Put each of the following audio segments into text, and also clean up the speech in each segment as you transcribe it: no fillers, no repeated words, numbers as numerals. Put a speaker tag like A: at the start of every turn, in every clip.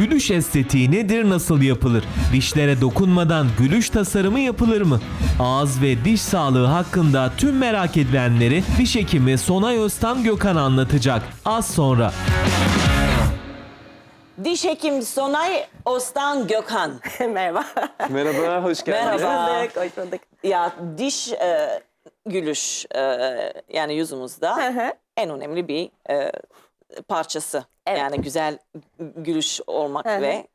A: Gülüş estetiği nedir, nasıl yapılır? Dişlere dokunmadan gülüş tasarımı yapılır mı? Ağız ve diş sağlığı hakkında tüm merak edilenleri diş hekimi Sonay Öztan Gökhan anlatacak. Az sonra.
B: Diş hekim Sonay Öztan Gökhan.
C: Merhaba.
D: Merhaba, hoş geldiniz.
B: Merhaba.
C: Hoş bulduk.
B: Ya diş gülüş yani yüzümüzde en önemli bir parçası.
C: Evet.
B: Yani güzel gülüş olmak ve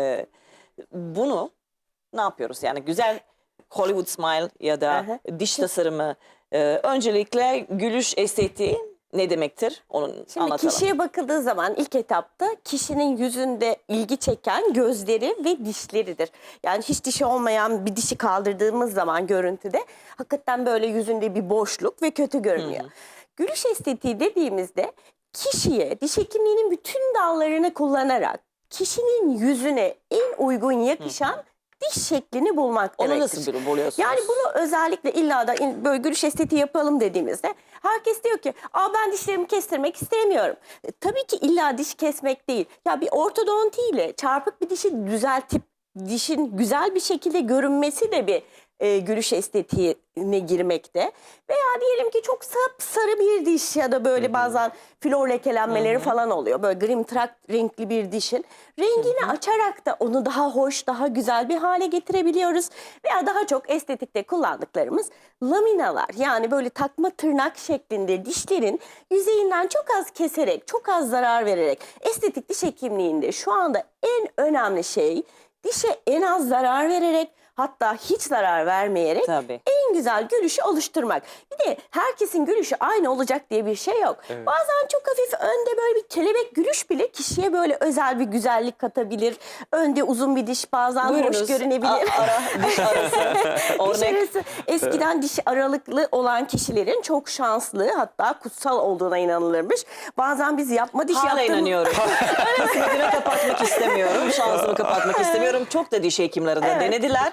B: bunu ne yapıyoruz? Yani güzel Hollywood smile ya da diş tasarımı. Öncelikle gülüş estetiği ne demektir? Onu
C: Şimdi
B: anlatalım.
C: kişiye bakıldığı zaman ilk etapta kişinin yüzünde ilgi çeken gözleri ve dişleridir. Yani hiç dişi olmayan bir dişi kaldırdığımız zaman görüntüde hakikaten böyle yüzünde bir boşluk ve kötü görünüyor. Gülüş estetiği dediğimizde kişiye diş hekimliğinin bütün dallarını kullanarak kişinin yüzüne en uygun yakışan diş şeklini bulmak
B: Onu
C: demektir.
B: nasıl buluyorsunuz?
C: Yani bunu özellikle illa da böyle gülüş estetiği yapalım dediğimizde herkes diyor ki ben dişlerimi kestirmek istemiyorum. Tabii ki illa diş kesmek değil. Ya bir ortodontiyle çarpık bir dişi düzeltip dişin güzel bir şekilde görünmesi de bir gülüş estetiğine girmekte. Veya diyelim ki çok sarı bir diş ya da böyle bazen flor lekelenmeleri falan oluyor. Böyle grimtrak renkli bir dişin rengini açarak da onu daha hoş, daha güzel bir hale getirebiliyoruz. Veya daha çok estetikte kullandıklarımız laminalar. Yani böyle takma tırnak şeklinde dişlerin yüzeyinden çok az keserek, çok az zarar vererek estetik diş hekimliğinde şu anda en önemli şey dişe en az zarar vererek, hatta hiç zarar vermeyerek
B: Tabii.
C: en güzel gülüşü oluşturmak. Bir de herkesin gülüşü aynı olacak diye bir şey yok.
D: Evet.
C: Bazen çok hafif önde böyle bir kelebek gülüş bile kişiye böyle özel bir güzellik katabilir. Önde uzun bir diş bazen hoş
B: Buyurunuz.
C: görünebilir.
B: Diş arası.
C: Diş
B: Örnek.
C: arası eskiden diş aralıklı olan kişilerin çok şanslı, hatta kutsal olduğuna inanılırmış. Bazen biz yapma diş
B: Hala
C: yaptığımız...
B: inanıyorum. Kısmetini kapatmak istemiyorum. Şansımı kapatmak istemiyorum. Çok da diş hekimleri de denediler.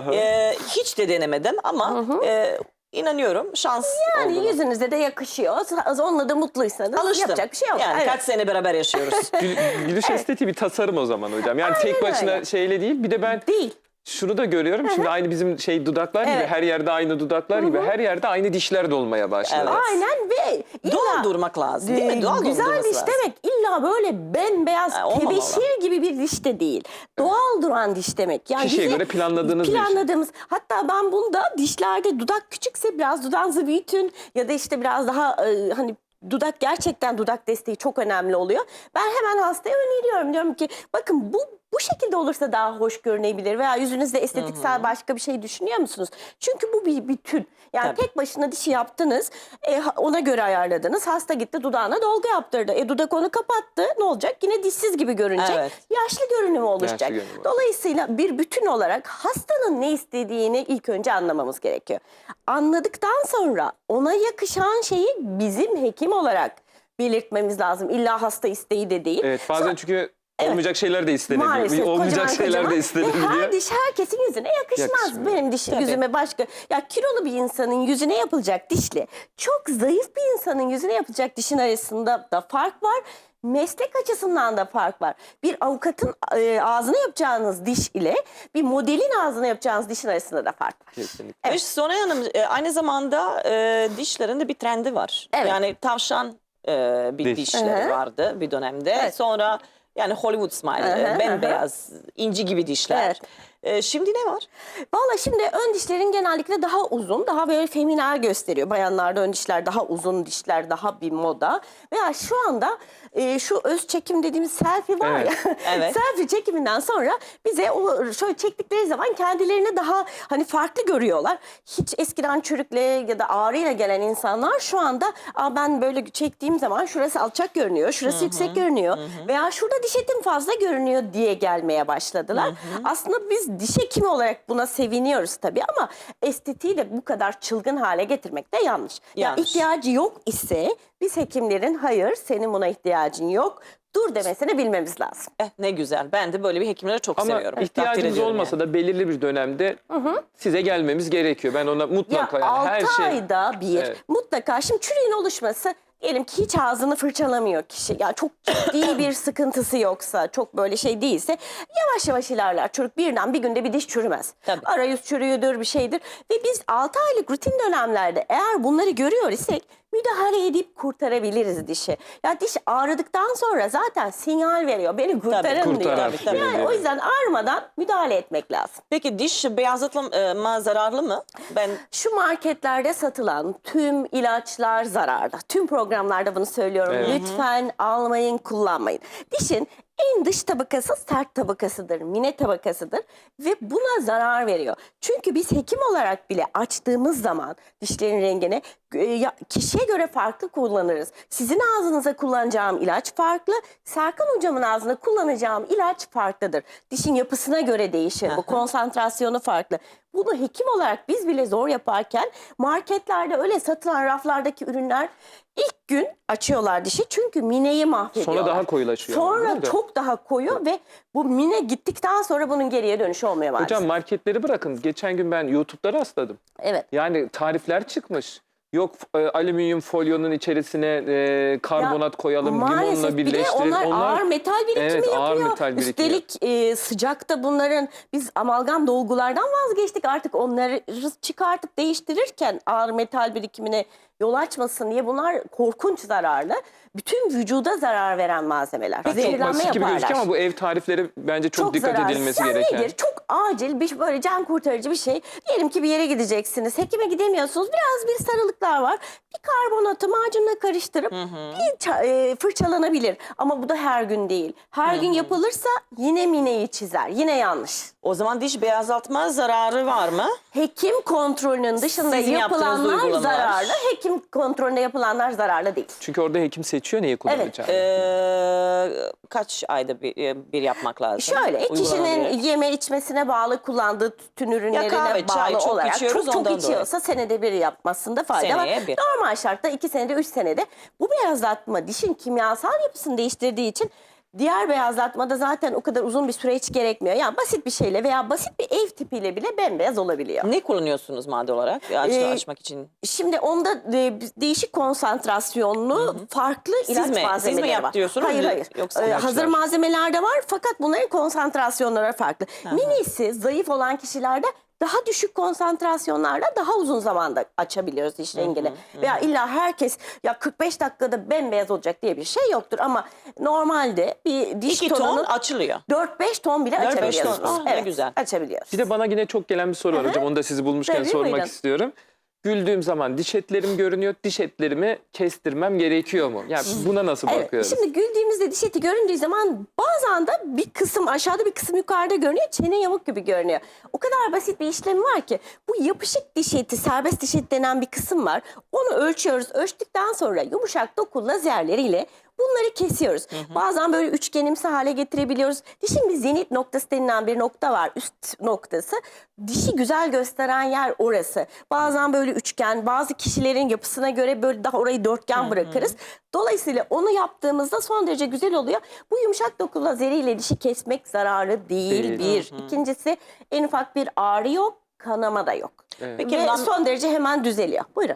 B: Hiç de denemedim ama inanıyorum şans
C: Yani
B: olduğunu.
C: yüzünüze de yakışıyor. Onunla da mutluysanız
B: Alıştım.
C: yapacak bir şey yok.
B: Yani
C: Evet.
B: kaç sene beraber yaşıyoruz.
D: Gülüş estetiği bir tasarım o zaman hocam. Yani
C: Aynen
D: tek başına
C: öyle.
D: şeyle değil. Bir de ben
C: Değil.
D: şunu da görüyorum. Şimdi aynı bizim dudaklar gibi,
C: Evet.
D: her yerde aynı dudaklar gibi, her yerde aynı dişler de olmaya başladı.
B: Evet.
C: Aynen ve
B: Doğal durmak lazım değil mi? Doğal
C: güzel
B: durması
C: diş
B: lazım.
C: demek illa böyle bembeyaz
B: olmamalı.
C: tebeşir gibi bir diş de değil. Doğal duran diş demek. Yani
D: Kişiye
C: bize
D: göre planladığınız bir şey.
C: hatta ben bunda dişlerde dudak küçükse biraz dudağınızı büyütün ya da işte biraz daha hani dudak, gerçekten dudak desteği çok önemli oluyor. Ben hemen hastaya öneriyorum. Diyorum ki bakın bu şekilde olursa daha hoş görünebilir veya yüzünüzde estetiksel başka bir şey düşünüyor musunuz? Çünkü bu bir bütün. Yani
B: Tabii.
C: tek başına dişi yaptınız, ona göre ayarladınız. Hasta gitti dudağına dolgu yaptırdı. Dudak onu kapattı. Ne olacak? Yine dişsiz gibi görünecek.
B: Evet.
C: Yaşlı görünümü oluşacak.
D: Yaşlı görünümü.
C: Dolayısıyla bir bütün olarak hastanın ne istediğini ilk önce anlamamız gerekiyor. Anladıktan sonra ona yakışan şeyi bizim hekim olarak belirtmemiz lazım. İlla hasta isteği de değil.
D: Evet, bazen çünkü olmayacak şeyler de istenebiliyor.
C: Maalesef
D: Olmayacak
C: kocaman
D: şeyler
C: kocaman
D: de
C: ve
D: istenebiliyor.
C: her diş herkesin yüzüne yakışmaz.
D: Yakışmıyor.
C: Benim dişim
B: Tabii.
C: yüzüme başka. Ya kilolu bir insanın yüzüne yapılacak dişle çok zayıf bir insanın yüzüne yapılacak dişin arasında da fark var. Meslek açısından da fark var. Bir avukatın ağzına yapacağınız diş ile bir modelin ağzına yapacağınız dişin arasında da fark var.
D: Kesinlikle.
B: Ve Sonay Hanım aynı zamanda dişlerinde bir trendi var.
C: Evet.
B: Yani tavşan bir
D: Diş.
B: dişleri vardı bir dönemde.
C: Evet.
B: Sonra yani Hollywood smile, bembeyaz, inci gibi dişler. Şimdi ne var?
C: Valla şimdi ön dişlerin genellikle daha uzun, daha böyle feminel gösteriyor. Bayanlarda ön dişler daha uzun, dişler daha bir moda. Veya şu anda şu öz çekim dediğimiz selfie var ya.
B: Evet.
C: Selfie çekiminden sonra bize o şöyle çektikleri zaman kendilerini daha hani farklı görüyorlar. Hiç eskiden çürükle ya da ağrıyla gelen insanlar şu anda ben böyle çektiğim zaman şurası alçak görünüyor, şurası yüksek görünüyor. Veya şurada diş etim fazla görünüyor diye gelmeye başladılar. Aslında biz diş hekimi olarak buna seviniyoruz tabii ama estetiği de bu kadar çılgın hale getirmek de yanlış. Ya
B: Yanlış.
C: ihtiyacı yok ise biz hekimlerin hayır senin buna ihtiyacın yok dur demesini bilmemiz lazım.
B: Ne güzel. Ben de böyle bir hekimleri çok
D: Ama
B: seviyorum. Takdir
D: ihtiyacımız
B: ediyorum
D: olmasa
B: yani.
D: da belirli bir dönemde size gelmemiz gerekiyor. Ben ona mutlaka
C: Ya 6
D: her şey...
C: ayda bir
D: Evet.
C: mutlaka şimdi çürüğün oluşması Diyelim ki hiç ağzını fırçalamıyor kişi. Yani çok ciddi bir sıkıntısı yoksa, çok böyle şey değilse yavaş yavaş ilerler. Çocuk birden bir günde bir diş çürümez.
B: Tabii.
C: Arayüz çürüyordur, bir şeydir. Ve biz 6 aylık rutin dönemlerde eğer bunları görüyor isek müdahale edip kurtarabiliriz dişi. Ya diş ağrıdıktan sonra zaten sinyal veriyor. Beni kurtarın diyor.
D: kurtar
B: tabii.
C: Yani o yüzden ağrımadan müdahale etmek lazım.
B: Peki diş beyazlatma zararlı mı? Ben
C: Şu marketlerde satılan tüm ilaçlar zararlı. Tüm programlarda bunu söylüyorum.
D: Evet.
C: Lütfen almayın, kullanmayın. Dişin en dış tabakası sert tabakasıdır, mine tabakasıdır ve buna zarar veriyor. Çünkü biz hekim olarak bile açtığımız zaman dişlerin rengini kişiye göre farklı kullanırız. Sizin ağzınıza kullanacağım ilaç farklı, Serkan hocamın ağzına kullanacağım ilaç farklıdır. Dişin yapısına göre değişir, bu konsantrasyonu farklı. Bunu hekim olarak biz bile zor yaparken marketlerde öyle satılan raflardaki ürünler ilk gün açıyorlar dişi çünkü mineyi mahvediyorlar.
D: Sonra daha koyulaşıyor.
C: Sonra
D: Değil mi?
C: çok daha koyu ve bu mine gittikten sonra bunun geriye dönüşü olmuyor maalesef.
D: Hocam marketleri bırakın. Geçen gün ben YouTube'da rastladım.
C: Evet.
D: Yani tarifler çıkmış. Yok alüminyum folyonun içerisine karbonat koyalım,
C: Maalesef
D: limonla
C: bir de
D: birleştirelim.
C: ağır metal birikimi
D: Evet,
C: yapıyor.
D: ağır metal birikimi.
C: Üstelik sıcakta bunların biz amalgam dolgulardan vazgeçtik. Artık onları çıkartıp değiştirirken ağır metal birikimine yol açmasın diye bunlar korkunç zararlı. Bütün vücuda zarar veren malzemeler.
D: Çok
C: Zehirlenme
D: basit gibi
C: yaparlar.
D: gözüküyor ama bu ev tarifleri bence çok dikkat
C: zararlı.
D: edilmesi
C: Sen
D: gereken.
C: nedir? Çok acil bir böyle can kurtarıcı bir şey. Diyelim ki bir yere gideceksiniz. Hekime gidemiyorsunuz. Biraz bir sarılıklar var. Bir karbonatı macunla karıştırıp fırçalanabilir. Ama bu da her gün değil. Her gün yapılırsa yine mineyi çizer. Yine yanlış.
B: o zaman diş beyazlatma zararı var mı?
C: Hekim kontrolünün dışında
B: Sizin yaptığınız
C: yapılanlar
B: uygulamalar.
C: zararlı. Hekim kontrolünde yapılanlar zararlı değil.
D: Çünkü orada hekim seçiyor neyi kullanacağını.
B: Kaç ayda bir yapmak lazım?
C: Şöyle kişinin
B: Uygulanabilir.
C: yeme içmesine bağlı kullandığı tütün ürünlerine
B: kahve, çay
C: bağlı
B: çok
C: olarak
B: içiyoruz,
C: çok
B: ondan
C: içiyorsa senede bir yapmasında fayda var.
B: Seneye bir.
C: Normal şartta 2 senede 3 senede bu beyazlatma dişin kimyasal yapısını değiştirdiği için diğer beyazlatmada zaten o kadar uzun bir süre hiç gerekmiyor. Yani basit bir şeyle veya basit bir ev tipiyle bile bembeyaz olabiliyor.
B: Ne kullanıyorsunuz madde olarak açmak için?
C: Şimdi onda değişik konsantrasyonlu farklı ilaç
B: mi
C: malzemeleri var.
B: yaptırıyorsunuz?
C: Hayır hayır.
B: Yoksa
C: Hazır malzemeler de var fakat bunların konsantrasyonları farklı. Minisi zayıf olan kişilerde daha düşük konsantrasyonlarla daha uzun zamanda açabiliyoruz diş rengini. Veya illa herkes ya 45 dakikada bembeyaz olacak diye bir şey yoktur ama normalde bir diş
B: 2 ton
C: tonunun
B: açılıyor.
C: 4-5 ton bile
B: 4-5 ton.
C: açabiliyorsunuz.
B: Ah, ne güzel.
C: Açabiliyoruz.
D: Bir de bana yine çok gelen bir soru var hocam. Onu da sizi bulmuşken
C: Tabii,
D: sormak
C: buyurun.
D: istiyorum. Güldüğüm zaman diş etlerim görünüyor. Diş etlerimi kestirmem gerekiyor mu? Yani buna nasıl
C: Evet,
D: bakıyoruz?
C: şimdi güldüğümüzde diş eti göründüğü zaman bazen de bir kısım aşağıda bir kısım yukarıda görünüyor. Çene yamuk gibi görünüyor. O kadar basit bir işlemi var ki bu yapışık diş eti, serbest diş eti denen bir kısım var. Onu ölçüyoruz. Ölçtükten sonra yumuşak doku lazerleriyle bunları kesiyoruz. Bazen böyle üçgenimsi hale getirebiliyoruz. Dişin bir zenit noktası denilen bir nokta var. Üst noktası. Dişi güzel gösteren yer orası. Bazen böyle üçgen, bazı kişilerin yapısına göre böyle daha orayı dörtgen bırakırız. Dolayısıyla onu yaptığımızda son derece güzel oluyor. Bu yumuşak doku lazeriyle dişi kesmek zararlı değil. Bir. İkincisi en ufak bir ağrı yok, kanama da yok.
B: Peki
C: Ve son derece hemen düzeliyor. Buyurun.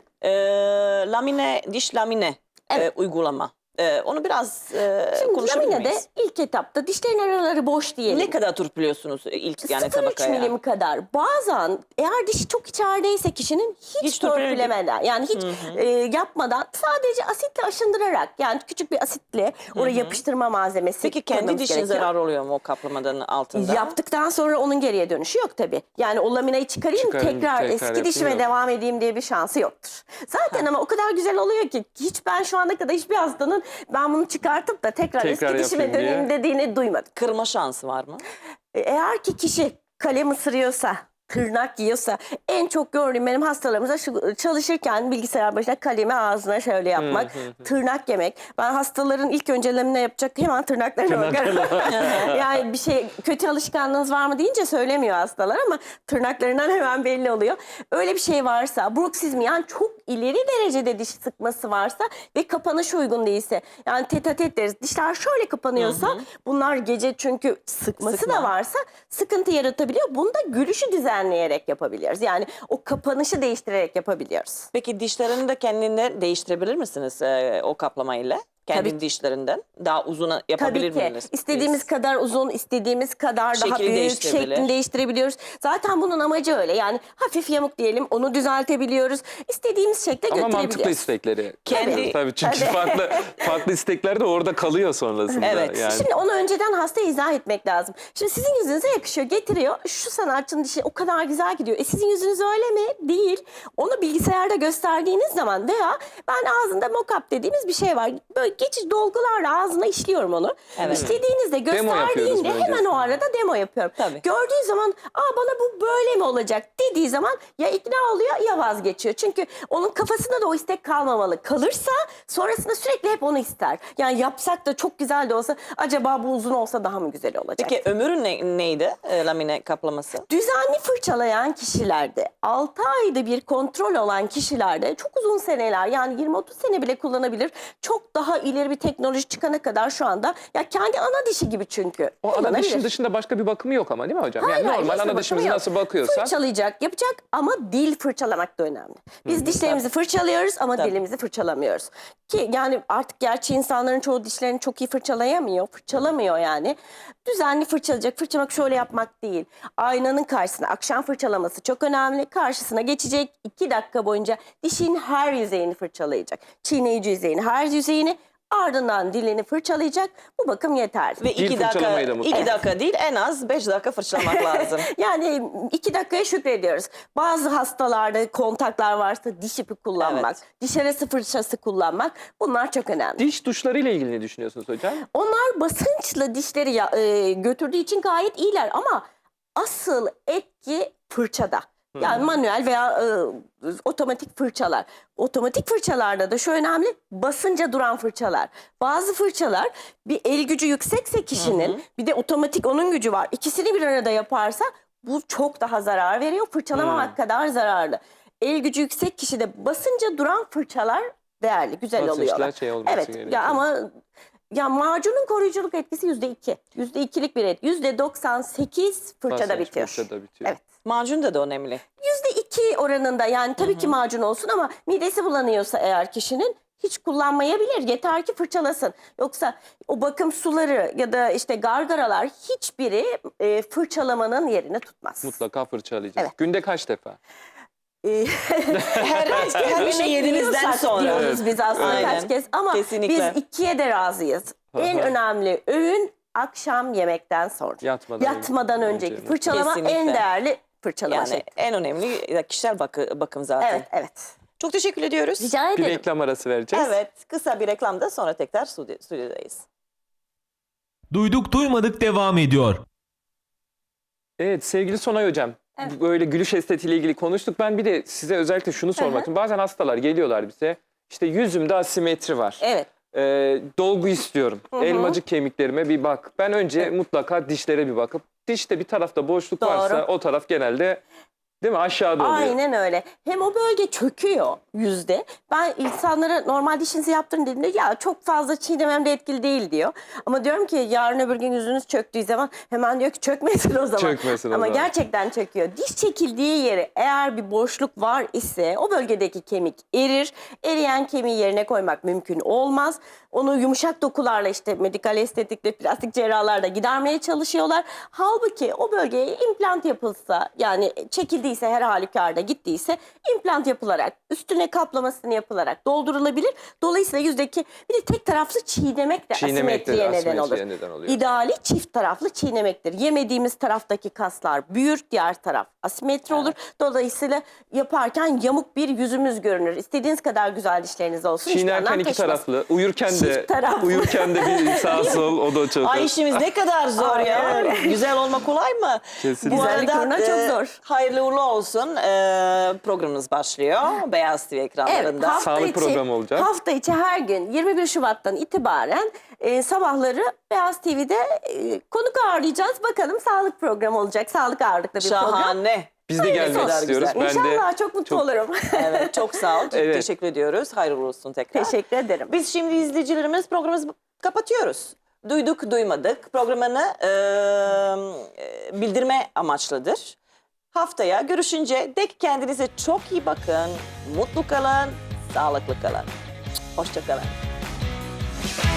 B: diş lamine uygulama. Onu biraz
C: Şimdi
B: konuşabilir
C: laminede
B: miyiz?
C: ilk etapta dişlerin araları boş diyelim.
B: Ne kadar turpluyorsunuz ilk yani
C: 0,3
B: tabakaya?
C: milim kadar. Bazen eğer dişi çok içerideyse kişinin hiç
B: törpülemeden.
C: törpülemeden yani hiç yapmadan sadece asitle aşındırarak yani küçük bir asitle oraya yapıştırma malzemesi
B: Peki kendi
C: koymamız
B: dişin
C: gerekiyor.
B: zarar oluyor mu o kaplamadan altında?
C: Yaptıktan sonra onun geriye dönüşü yok tabii. Yani o laminayı çıkarayım tekrar eski
D: yapayım
C: dişime
D: yok.
C: devam edeyim diye bir şansı yoktur. Zaten ama o kadar güzel oluyor ki hiç ben şu ana kadar hiçbir hastanın ben bunu çıkartıp da tekrar eski dişime
D: yapayım diye.
C: döneyim dediğini duymadım.
B: Kırma şansı var mı?
C: Eğer ki kişi kalem ısırıyorsa, tırnak yiyorsa en çok gördüğüm benim hastalarımızda çalışırken bilgisayar başına kalemi ağzına şöyle yapmak, tırnak yemek. Ben hastaların ilk önce lamine yapacak hemen tırnaklarına bakarım. Yani bir şey kötü alışkanlığınız var mı deyince söylemiyor hastalar ama tırnaklarından hemen belli oluyor. Öyle bir şey varsa bruksizm yani çok ileri derecede diş sıkması varsa ve kapanış uygun değilse, yani tetatet deriz, dişler şöyle kapanıyorsa bunlar gece çünkü sıkması
B: Sıkma.
C: da varsa sıkıntı yaratabiliyor. Bunu da gülüşü düzenleyerek yapabiliyoruz. Yani o kapanışı değiştirerek yapabiliyoruz.
B: Peki dişlerini de kendinde değiştirebilir misiniz o kaplamayla? Kendi
C: Tabii.
B: dişlerinden daha uzun yapabilir
C: Tabii ki.
B: misiniz?
C: İstediğimiz kadar uzun, istediğimiz kadar daha
B: Şekli
C: büyük
B: değiştirebilir.
C: şeklini değiştirebiliyoruz. Zaten bunun amacı öyle. Yani hafif yamuk diyelim, onu düzeltebiliyoruz. İstediğimiz şekle
D: Ama mantıklı
C: götürebiliyoruz.
D: istekleri.
B: Kendi-
D: Tabii çünkü farklı istekler de orada kalıyor sonrasında.
B: Evet.
D: Yani.
C: Şimdi onu önceden hastaya izah etmek lazım. Şimdi sizin yüzünüze yakışıyor, getiriyor. Şu sanatçının dişi o kadar güzel gidiyor. Sizin yüzünüz öyle mi? Değil. Onu bilgisayarda gösterdiğiniz zaman veya ben ağzında mock-up dediğimiz bir şey var. Böyle geçici dolgularla ağzına işliyorum onu.
B: Evet.
C: İşlediğinizde,
D: Demo yapıyoruz
C: gösterdiğinde hemen
D: öncesinde.
C: o arada demo yapıyorum.
B: Tabii.
C: Gördüğü zaman bana bu böyle mi olacak dediği zaman ya ikna oluyor ya vazgeçiyor. Çünkü onun kafasında da o istek kalmamalı. Kalırsa sonrasında sürekli hep onu ister. Yani yapsak da çok güzel de olsa acaba bu uzun olsa daha mı güzel olacak?
B: Peki ömrü neydi lamine kaplaması?
C: Düzenli fırçalayan kişilerde, 6 ayda bir kontrol olan kişilerde çok uzun seneler, yani 20-30 sene bile kullanabilir. Çok daha ileri bir teknoloji çıkana kadar şu anda ya kendi ana dişi gibi çünkü.
D: O ana
C: kullanabilir.
D: dişin dışında başka bir bakımı yok ama değil mi hocam?
C: Hayır,
D: Yani
C: hayır,
D: normal
C: hiçbir
D: ana
C: bakımı
D: dişimizi
C: yok.
D: nasıl bakıyorsak.
C: Fırçalayacak, yapacak ama dil fırçalamak da önemli. Biz dişlerimizi fırçalıyoruz ama
B: Tabii.
C: dilimizi fırçalamıyoruz. Ki yani artık gerçi insanların çoğu dişlerini çok iyi fırçalayamıyor, fırçalamıyor yani. Düzenli fırçalayacak, fırçalamak şöyle yapmak değil. Aynanın karşısına akşam fırçalaması çok önemli. Karşısına geçecek 2 dakika boyunca dişin her yüzeyini fırçalayacak. Çiğneyici yüzeyini, her yüzeyini. Ardından dilini fırçalayacak. Bu bakım yeterli.
B: Ve
D: Dil
B: 2 dakika,
D: fırçalamayı da mutlaka.
B: 2 dakika değil en az 5 dakika fırçalamak lazım.
C: Yani 2 dakikaya şükrediyoruz. Bazı hastalarda kontaklar varsa diş ipi kullanmak, diş arası fırçası kullanmak, bunlar çok önemli.
D: Diş tuşları ile ilgili ne düşünüyorsunuz hocam?
C: Onlar basınçla dişleri götürdüğü için gayet iyiler ama asıl etki fırçada. Yani manuel veya otomatik fırçalar. Otomatik fırçalarda da şu önemli, basınca duran fırçalar. Bazı fırçalar bir el gücü yüksekse kişinin, bir de otomatik onun gücü var. İkisini bir arada yaparsa bu çok daha zarar veriyor. Fırçalamamak kadar zararlı. El gücü yüksek kişide basınca duran fırçalar değerli, güzel
D: Basınçlar
C: oluyorlar.
D: şey olması
C: Evet
D: gerekiyor.
C: ya ama ya macunun koruyuculuk etkisi %2. %2'lik bir etki. %98 fırçada
D: Basınç
C: bitiyor.
D: fırçada bitiyor.
C: Evet.
B: Macun da önemli.
C: %2 oranında, yani tabii ki macun olsun ama midesi bulanıyorsa eğer kişinin hiç kullanmayabilir. Yeter ki fırçalasın. Yoksa o bakım suları ya da işte gargaralar hiçbiri fırçalamanın yerini tutmaz.
D: Mutlaka fırçalayacağız.
C: Evet.
D: Günde kaç defa?
B: Her bir şey yediğinizden
C: Yiyorsak
B: sonra.
C: diyoruz biz aslında
B: Aynen.
C: kaç kez ama
B: Kesinlikle.
C: biz 2'ye de razıyız. En
D: Aha.
C: önemli öğün akşam yemekten sonra.
D: Yatmadan
C: önceki
D: önce.
C: fırçalama
B: Kesinlikle.
C: en değerli fırçalama
B: Yani
C: şekli.
B: en önemli kişisel bakım zaten.
C: Evet, evet.
B: Çok teşekkür ediyoruz.
C: Rica
D: Bir
C: ederim.
D: reklam arası vereceğiz.
B: Evet, kısa bir reklamda sonra tekrar stüdyodayız.
A: Duyduk duymadık devam ediyor.
D: Evet sevgili Sonay Hocam.
C: Evet.
D: Böyle gülüş estetiğiyle ilgili konuştuk. Ben bir de size özellikle şunu sormak istiyorum. Bazen hastalar geliyorlar bize. İşte yüzümde asimetri var.
C: Evet.
D: Dolgu istiyorum. Elmacık kemiklerime bir bak. Ben önce mutlaka dişlere bir bakıp dişte bir tarafta boşluk
C: Doğru.
D: varsa o taraf genelde değil mi aşağıda oluyor.
C: Aynen öyle. Hem o bölge çöküyor yüzde. Ben insanlara normal dişinizi yaptırın dediğimde ya çok fazla çiğnemem de etkili değil diyor. Ama diyorum ki yarın öbür gün yüzünüz çöktüğü zaman hemen diyor ki çökmesin o zaman.
D: Çökmesin o
C: Ama
D: zaman.
C: gerçekten çöküyor. Diş çekildiği yere eğer bir boşluk var ise o bölgedeki kemik erir. Eriyen kemiği yerine koymak mümkün olmaz. Onu yumuşak dokularla işte medikal estetikle plastik cerrahlarla gidermeye çalışıyorlar. Halbuki o bölgeye implant yapılsa, yani çekildiyse her halükarda gittiyse implant yapılarak üstüne kaplamasını yapılarak doldurulabilir. Dolayısıyla yüzdeki bir de tek taraflı çiğnemek de asimetriye neden olur.
D: oluyor.
C: İdeali çift taraflı çiğnemektir. Yemediğimiz taraftaki kaslar büyür, diğer taraf asimetri olur. Dolayısıyla yaparken yamuk bir yüzümüz görünür. İstediğiniz kadar güzel dişleriniz olsun. hiçbir
D: Çiğnerken
C: anlam
D: iki
C: taşımaz.
D: taraflı, uyurken de
C: Çift taraflı.
D: bir sağ sol o da çok.
B: Ay işimiz ne kadar zor ya.
C: Aynen öyle.
B: Güzel olma kolay mı?
D: Kesinlikle.
B: Bu
C: Güzellik
B: arada
C: uğruna çok zor.
B: hayırlı uğurlu olsun. Programımız başlıyor. Beyaz TV ekranlarında.
C: hafta
D: Sağlık
C: içi-
D: programı olacak.
C: Hafta içi her gün 21 Şubat'tan itibaren sabahları Beyaz TV'de konuk ağırlayacağız. Bakalım sağlık programı olacak. Sağlık ağırlıklı bir program.
B: Şahane.
D: Biz de gelmek
B: kadar
D: istiyoruz.
B: güzel.
D: Ben de
C: İnşallah çok mutlu olurum.
B: Evet, çok sağ ol.
D: Evet.
B: Teşekkür ediyoruz. Hayırlı olsun tekrar.
C: Teşekkür ederim.
B: Biz şimdi izleyicilerimiz programımızı kapatıyoruz. Duyduk duymadık programını bildirme amaçlıdır. Haftaya görüşünce dek kendinize çok iyi bakın. Mutlu kalın, sağlıklı kalın. Hoşça kalın.